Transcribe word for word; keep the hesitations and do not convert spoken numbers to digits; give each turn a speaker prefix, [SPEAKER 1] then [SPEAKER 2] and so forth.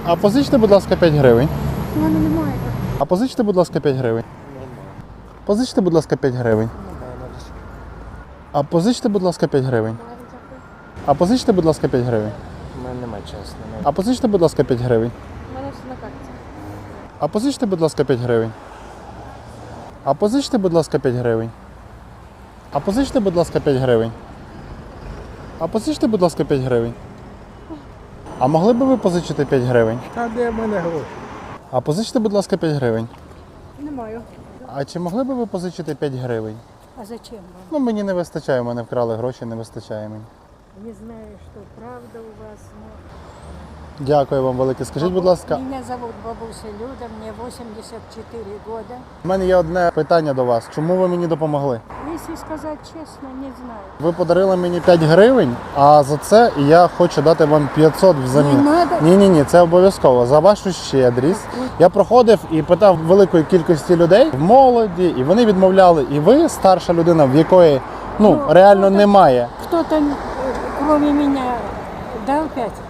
[SPEAKER 1] А позичте, будь ласка, п'ять гривень.
[SPEAKER 2] У мене немає.
[SPEAKER 1] А позичте, будь ласка, п'ять гривень. Позичте, будь ласка, п'ять гривень. А позичте, будь ласка, п'ять гривень. А позичте, будь ласка, п'ять гривень.
[SPEAKER 3] У мене немає чесно.
[SPEAKER 1] А позичте, будь ласка, п'ять гривень.
[SPEAKER 2] У мене все на карті.
[SPEAKER 1] А позичте, будь ласка, п'ять гривень. А позичте, будь ласка, п'ять гривень. А позичте, будь ласка, п'ять гривень. А позичте, будь ласка, п'ять гривень. А могли б ви позичити п'ять гривень?
[SPEAKER 3] Та де в мене гроші?
[SPEAKER 1] А позичте, будь ласка, п'ять гривень.
[SPEAKER 2] Не маю.
[SPEAKER 1] А чи могли б ви позичити п'ять гривень?
[SPEAKER 2] А зачем вам?
[SPEAKER 1] Ну, мені не вистачає, у мене вкрали гроші, не вистачає мені.
[SPEAKER 2] Не знаю, что правда у вас, но...
[SPEAKER 1] Дякую вам велике. Скажіть, будь ласка,
[SPEAKER 2] Меня зовут бабуся Люда, мне восемьдесят четыре года.
[SPEAKER 1] у мене є одне питання до вас. Чому ви мені допомогли?
[SPEAKER 2] Если сказать честно, не знаю.
[SPEAKER 1] Ви подарили мені п'ять гривень, а за це я хочу дати вам п'ятсот взамін.
[SPEAKER 2] Не надо.
[SPEAKER 1] Ні-ні-ні, це обов'язково. За вашу щедрість. Я проходив і питав великої кількості людей в молоді, і вони відмовляли. І ви, старша людина, в якої ну,
[SPEAKER 2] Ну,
[SPEAKER 1] реально
[SPEAKER 2] ну, так-
[SPEAKER 1] немає.
[SPEAKER 2] Кто-то, э, кроме меня, дал пять?